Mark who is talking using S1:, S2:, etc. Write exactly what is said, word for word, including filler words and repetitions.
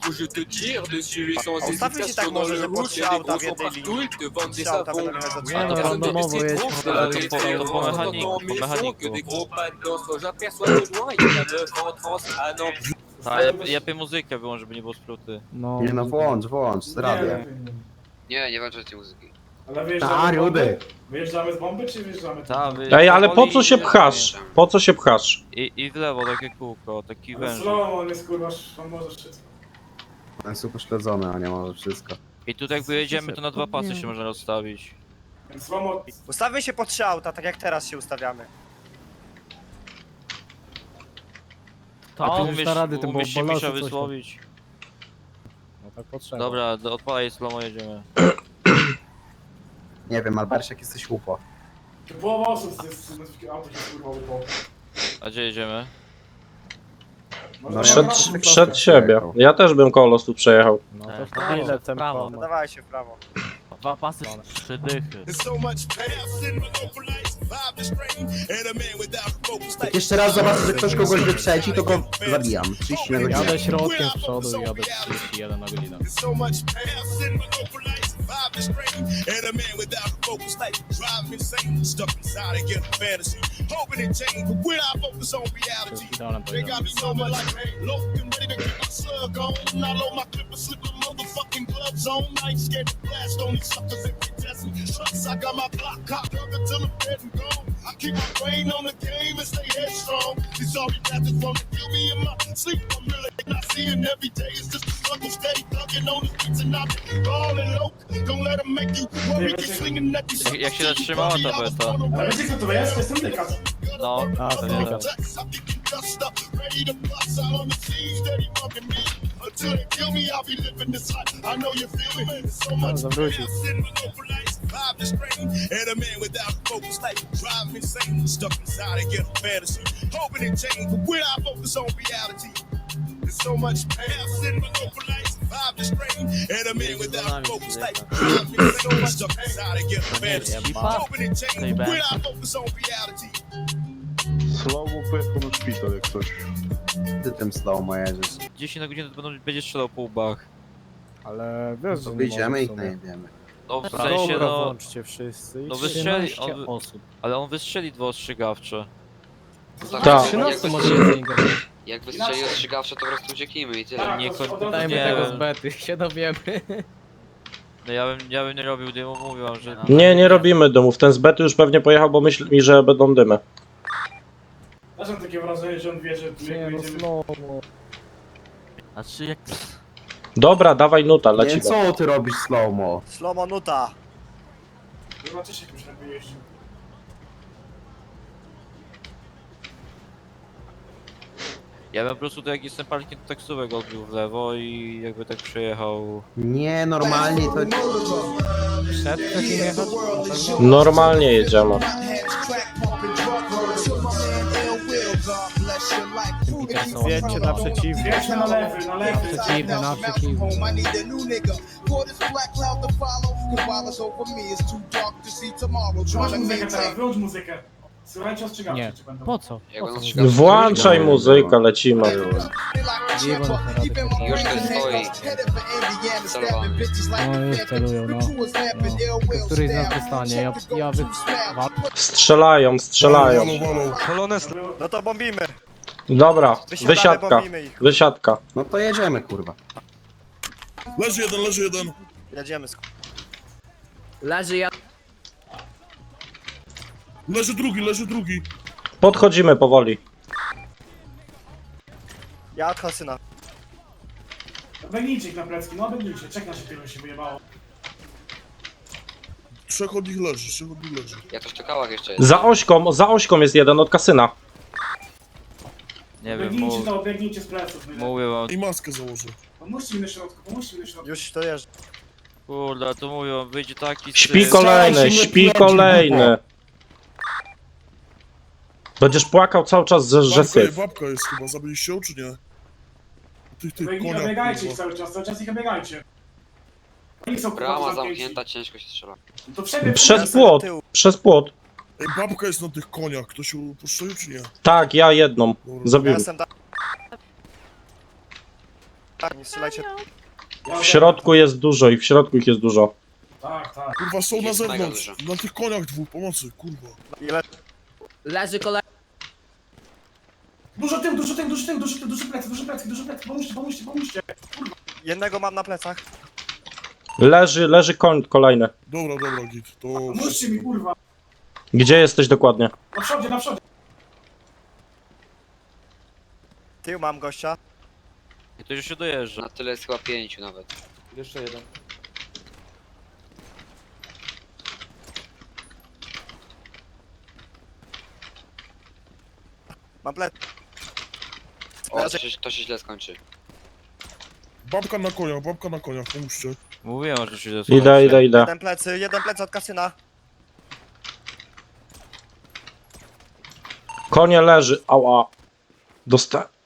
S1: faut je te tire dessus sans
S2: Ustawmy się tak
S1: hésitation dans
S2: może,
S1: le
S2: że po
S1: rouge,
S2: trzy
S1: y'a des
S2: auta
S1: gros
S2: w jednej
S1: sont
S2: linii.
S1: partout, ils te vendent des
S2: Trzy auta
S1: savons.
S2: będą jechać za trzy
S3: Nie, no,
S2: auta.
S1: Personne ne
S3: randomowo
S1: t'explique
S3: jedź,
S1: trop,
S3: no
S1: c'est
S3: to-
S1: la
S3: to po-
S1: référence.
S3: to po
S4: mechaniku,
S1: Dans
S4: po
S1: mes sons
S4: mechaniku.
S1: que des gros pas de danse. Quand j'aperçois de loin, il y a neuf en trans. Ah non,
S4: A, ja, ja piję muzykę wyłącz, żeby nie było spluty.
S3: No,
S5: Nie no, włącz, włącz, z radia.
S6: Nie, nie włączajcie muzyki.
S7: Ale
S5: A,
S7: wyjeżdżamy z bomby?
S5: rudy.
S7: Wyjeżdżamy z bomby, czy wyjeżdżamy?
S4: Ta, wy-
S8: Ej, ale po
S4: powoli
S8: co się
S4: i-
S8: pchasz? Po co się pchasz?
S4: I, I w lewo takie kółko, taki
S7: Ale
S4: węż.
S7: slow, on jest kurwa, on może wszystko.
S5: On jest upośledzony, a nie może wszystko.
S4: I tutaj jak wyjedziemy, to na dwa pasy się można rozstawić.
S7: Więc slow
S2: Ustawmy się po trzy auta, tak jak teraz się ustawiamy.
S4: A
S3: To
S4: ty
S3: umiesz na rady, tym
S4: umiesz się
S3: ballasy
S4: Misza
S3: coś tam.
S4: wysłowić.
S3: No tak potrzeba.
S4: Dobra, do- odpalaj slomo, jedziemy.
S5: Nie wiem, Albersiak jesteś upo.
S7: Połowa osób jest z auto się kurwa upo.
S4: A gdzie jedziemy?
S5: No,
S8: Przed,
S5: ja bym
S8: przed
S5: prosto
S8: siebie.
S5: przejechał.
S8: Ja też bym koło losu przejechał.
S3: No
S4: Tak.
S3: to w prawo,
S9: Ile
S3: w prawo.
S2: No dawaj się w prawo.
S9: Dwa pasy, trzy dychy.
S5: Jak jeszcze raz zobaczę, że ktoś kogoś wyprzedzi, to go zabijam. trzydzieści na godzinę.
S3: Jadę środkiem z przodu i jadę trzydzieści jeden na godzinę. To jest idealnym poziomem.
S4: Jak, jak się zatrzymała ta beta?
S7: Ale wiecie co to jest? To jest ten dykas.
S4: No,
S3: A, to
S4: nie
S3: nie
S4: wiem.
S3: No, zawrócił.
S10: Słowo pojechał na szpital jak coś.
S5: Ty tym slow mo jedziesz.
S4: dziesięć na godzinę to będą, będzie strzelał po łbach.
S3: Ale wiesz, że
S5: To
S3: nie
S5: wyjdziemy
S3: może
S5: i
S3: w sumie.
S5: najebiemy.
S4: No w sensie,
S3: Dobra,
S4: no...
S3: włączcie wszyscy.
S4: no
S3: I
S4: wystrzeli-
S3: trzynaście
S4: on-
S3: osób.
S4: Ale on wystrzeli dwa ostrzegawcze.
S8: Tak.
S3: trzynaście
S6: Jak
S3: może
S6: wystrzeli,
S3: się zainteresować.
S6: jak wystrzeli ostrzegawcze, to po prostu ucieknijmy i tyle.
S7: Tak,
S4: Nie,
S7: to
S4: koń-
S7: od razu
S3: Dajmy
S4: Nie.
S3: tego z bety, się dowiemy.
S4: No ja bym, ja bym nie robił dymu, mówił wam, że...
S8: Nie, nie robimy dymów. Ten z bety już pewnie pojechał, bo myśli mi, że będą dymy.
S7: Też mam takie wrażenie, że on wie, że tu
S3: Nie
S7: jak
S3: no,
S7: będziemy...
S3: slow.
S9: Znaczy jak...
S8: Dobra, dawaj nuta,
S5: Nie,
S8: lecimy.
S5: co ty robisz slow mo?
S2: Slomo nuta.
S7: Zobaczysz jak już lepiej jeździ.
S4: Ja bym po prostu to jak jestem parkiem to taksówek odbił w lewo i jakby tak przejechał...
S5: Nie, normalnie to...
S3: Przed takim jechać? Na pewno?
S8: Normalnie jedziemy.
S3: Peterson.
S2: Wiecie na przeciwnie.
S7: Wiecie na lewy, na lewy.
S3: Przeciwny, na przeciwny.
S7: Wyłącz muzykę teraz, wyłącz muzykę. Słuchajcie ostrzegawczy,
S3: Nie.
S7: czy będą.
S3: Po co?
S6: Jak
S3: Po
S6: on
S3: co?
S6: ostrzegawczy-
S8: Włączaj muzykę, lecimy.
S3: Dziwo na te rady potrzeba.
S6: Już ten stoi. Celowany.
S3: No już celują, no. no. Tylko któryś z nas dostanie, ja, ja wy... Wal-
S8: Strzelają, strzelają.
S2: No to bombimy.
S8: Dobra,
S2: Wysiadamy,
S8: wysiadka.
S2: bombimy ich.
S8: Wysiadka.
S5: No to jedziemy, kurwa.
S10: Leży jeden, leży jeden.
S2: Jedziemy z...
S9: Leży ja...
S10: Leży drugi, leży drugi.
S8: Podchodzimy powoli.
S2: Ja od Hasyna.
S7: Biegnijcie ich na plecki, no biegnijcie. Czekaj się tego się wyjebało.
S10: Trzech od nich leży, trzech od nich leży.
S6: Jak to w czekałach jeszcze jest.
S8: Za ośką, za ośką jest jeden od kasyna.
S4: Nie wiem,
S7: Biegnijcie
S4: mów,
S7: to, biegnijcie z pleców.
S4: mówię wam...
S10: I maskę założę.
S7: Pomóżcie mi na środku, pomóżcie mi na środku.
S2: Już to jeżdżę.
S4: Kurde, to mówię wam, wyjdzie taki...
S8: Śpi
S4: syf.
S8: kolejny, śpi kolejny. Będziesz płakał cały czas, że, że
S10: Babka,
S8: syf.
S10: babka jest chyba, zabiliście ją czy nie? Tych, tych
S7: Biegnij,
S10: konia.
S7: obiegajcie ich
S10: kurwa.
S7: cały czas, cały czas ich obiegajcie. Oni są kurwa
S6: Brama
S7: zamknięci.
S6: zamknięta, ciężko się strzela.
S7: To przebieg
S8: Przez płot, przez płot.
S10: Ej, babka jest na tych koniach, ktoś ją postrzelił czy nie?
S8: Tak, ja jedną.
S10: Dobra.
S2: Ja
S8: Zabiłem.
S2: jestem tam. Tak, nie strzelajcie.
S8: W środku jest dużo i w środku ich jest dużo.
S7: Tak, tak.
S10: Kurwa, są na
S6: Jest mega
S10: zewnątrz.
S6: dużo.
S10: Na tych koniach dwóch, pomocy, kurwa.
S2: Ile?
S9: Leży kolej.
S7: Dużo tył, dużo tył, dużo tył, dużo tył, duży plecy, duży plecy, duży plecy, pomóżcie, pomóżcie, pomóżcie.
S2: Jednego mam na plecach.
S8: Leży, leży koń kolejny.
S10: Dobra, dobra, git. To...
S7: Pomóżcie mi, kurwa.
S8: Gdzie jesteś dokładnie?
S7: Na przodzie, na przodzie.
S2: Tył mam gościa.
S4: I to już się dojeżdża.
S6: Na tyle jest chyba pięciu nawet.
S4: Jeszcze jeden.
S2: Mam plec.
S6: O, to się, to się źle skończy.
S10: Babka na koniach, babka na koniach, pomóżcie.
S4: Mówiłem, że się
S8: Idę, idę, idę.
S2: Jeden plecy, jeden plec od kasyna.
S8: Konie leży, ała. Dosta...